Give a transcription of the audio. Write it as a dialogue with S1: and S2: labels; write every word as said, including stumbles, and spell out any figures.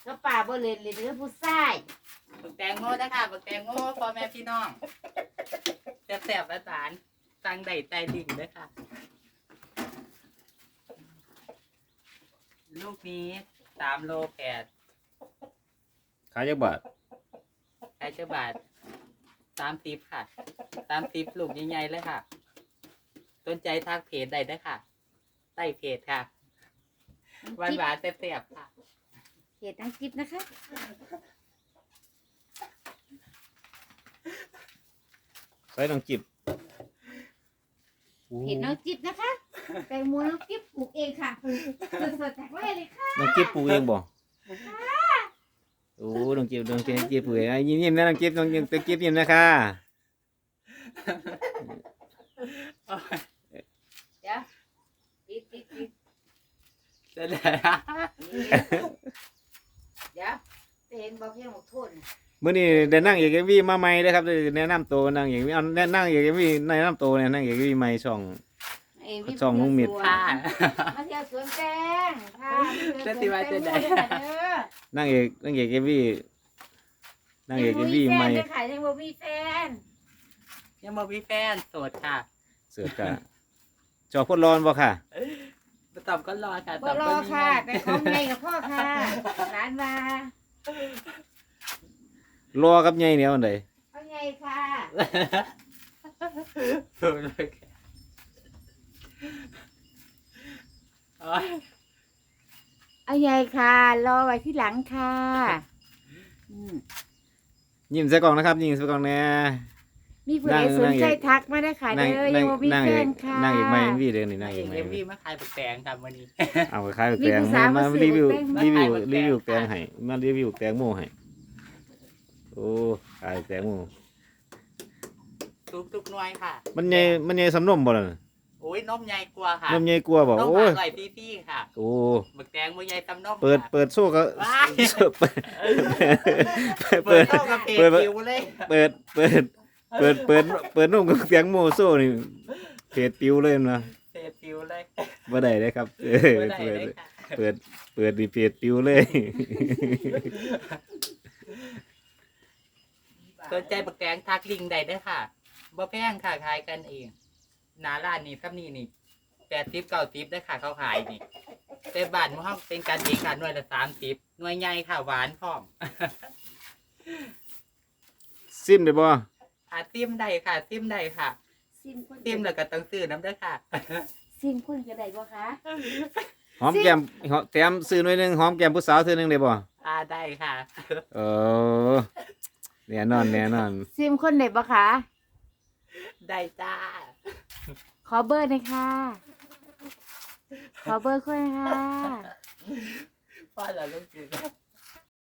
S1: ก็ป่าบ่เล่นเลยเด้อผู้ชาย
S2: บักแตงโมนะคะบักแตงโมพ่อแม่พี่น้องแซ่บๆอาจารย์ตังใดใจดิ่งเลยค่ะลูกนี้สามโลแปด
S3: ขายจักบาท
S2: ขายเจ้าบาทสามสิบค่ะสามสิบลูกใหญ่ๆเลยค่ะสนใจทักเพจใดได้ค่ะใต้เพจค่ะหวานหวานๆแซ่บๆค่ะ
S1: เพจน้องจิ๊บนะคะ
S3: ใส่น้องจิบ
S1: เพจน้องจิ๊บนะคะแตงโมน้องจิ๊บปลูกเองค่ะสดๆจากไร่เลยค่ะ
S3: น้องจิบปลูกเองบ่โอ้น้องจิบน้องจิบจิบปลูกเองยิ้มยิ้มนะน้องจิบน้องจิบน้องจิบยิ้มนะคะ
S1: เดี๋ยวปิดปิดปิด
S2: จะได้
S1: เดี๋ยวจะเห็นบอกเพียงบอกโทษนะ
S3: มื้อนี้ได้นั่งเอกเอ็มวีมาใหม่เด้อครับได้แนะนำตัวนั่งเอกเอาแนะนั่งเอกเอ็มวีแนะนำตัวเนี่ยนั่งเอกเอ็มวีใหม่ช่อง
S1: เอ้ยวิ
S3: ช่องลุงมิตร
S2: ค่ะ
S1: มาเที่ยวสวนแตงค่ะ
S2: เจ้าสิว่าจะได้
S3: นั่งเอกนั่งเอกเอ็มวีนั่งเอกเอ็มวีใหม่
S1: ยังบ่มีแฟนเลยค่ะยังบ่มีแฟน
S2: ยังบ่มีแฟนโสดค่ะ
S3: เสือกกะจอพดร้อนบ่ค่ะ
S2: ตอบก็รอค่ะ
S1: บ่รอค่ะ แต่ของใหญ่กับพ่อค่ะร้านมาร
S3: อกับใหญ่เนี่ยอันใด
S1: ของใหญ่ค่ะ
S2: โสดเลยโอ้ย
S1: เอาใหญ่ค่ะ รอไว้ที่หลังค่ะอืม
S3: ยิ้มใส่กล่องนะครับยิ้มใส่กล่องแน่
S1: มีผู้ใด
S3: นั่ง
S1: สนใจ
S3: นั่ง
S1: ทักมาได้ค่ะ
S3: นั่ง
S1: เด้อ
S3: นั่
S1: ยัง งบ่มี
S3: นั่ง
S1: แฟ
S3: เอก
S1: นค่ะ
S3: นั่งเอกใหม่เอ็มวีเด้อนี่นั่ง
S2: นาง
S3: เอ
S2: เอก ก
S3: ใหม่
S2: เอ็มวีมาขายบักแตงค่ะมื้อนี้
S3: เอาไปขายแตง
S1: มีผู้สาว
S3: มา
S1: มาซื้อ
S3: รีวิว
S1: แตง
S3: รีวิว
S2: มาขาย
S3: รีวิว
S2: แตง
S3: แตงให้มารีวิวแตงโมให้โอ้ขายแตงโม
S2: ทุกทุกๆหน่วยค่ะ
S3: มันใหญ่มันใหญ่สำนมบ่ล่ะ
S2: โอ้ยนมใหญ่กว่าค่ะ
S3: นมใหญ่กว่าบ่
S2: นม
S3: โอ้ย
S2: อร่อยพี่ๆค่ะ
S3: โอ้
S2: บักแตงบ่ใหญ่ตำนม
S3: เปิด
S2: ค่ะ
S3: เปิดโซ่ก็
S2: ว้าย
S3: เปิด
S2: เปิ
S3: เปิ
S2: ด
S3: ด
S2: เข้ากับเพจ
S3: เปิด
S2: คิวเลย
S3: เปิดเปิดเปิดเปิดเปิดนุ่มกับแตงโมโซ่นี่เพจปิวเลยนะ
S2: เพจคิวเลย
S3: บ่ได้เลยครับเออ
S2: บ่ได้
S3: เปิด
S2: เลยค่ะ
S3: เปิดเปิดดีเพจปิวเลย
S2: สนใจบักแตงทักลิงก์ได้เด้อค่ะบ่แพงค่ะขายกันเองหน้าร้านนี่ซับนี่นี่แปดสิบเก้าสิบได้อค่ะเขาขายนี่แต่บ้านของเราเป็นการเองค่ะหน่วยละสามสิบหน่วยใหญ่ค่ะหวานพร้อม
S3: ซิมได้บ่
S2: อาซิมได้ค่ะซิมได้ค่ะ
S1: ซิมคน
S2: ซิมแล้วก็ต้องซื้อน้ำเด้อค่ะ
S1: ซิมคนก็ได้บ่คะ
S3: หอมแก้มหอมแถมซื้อหน่อยหนึงหอมแก้มผู้สาวเทื่อหนึงได้บ่
S2: อ่าได้ค่ะ
S3: เออแน่นอนแน่นอน
S1: ซิมคนได้บ่คะ
S2: ได้จ้า
S1: ขอเบอร์หน่อยค่ะ ขอเบอร์คนค่ะ
S2: พ่อเราลูกจืด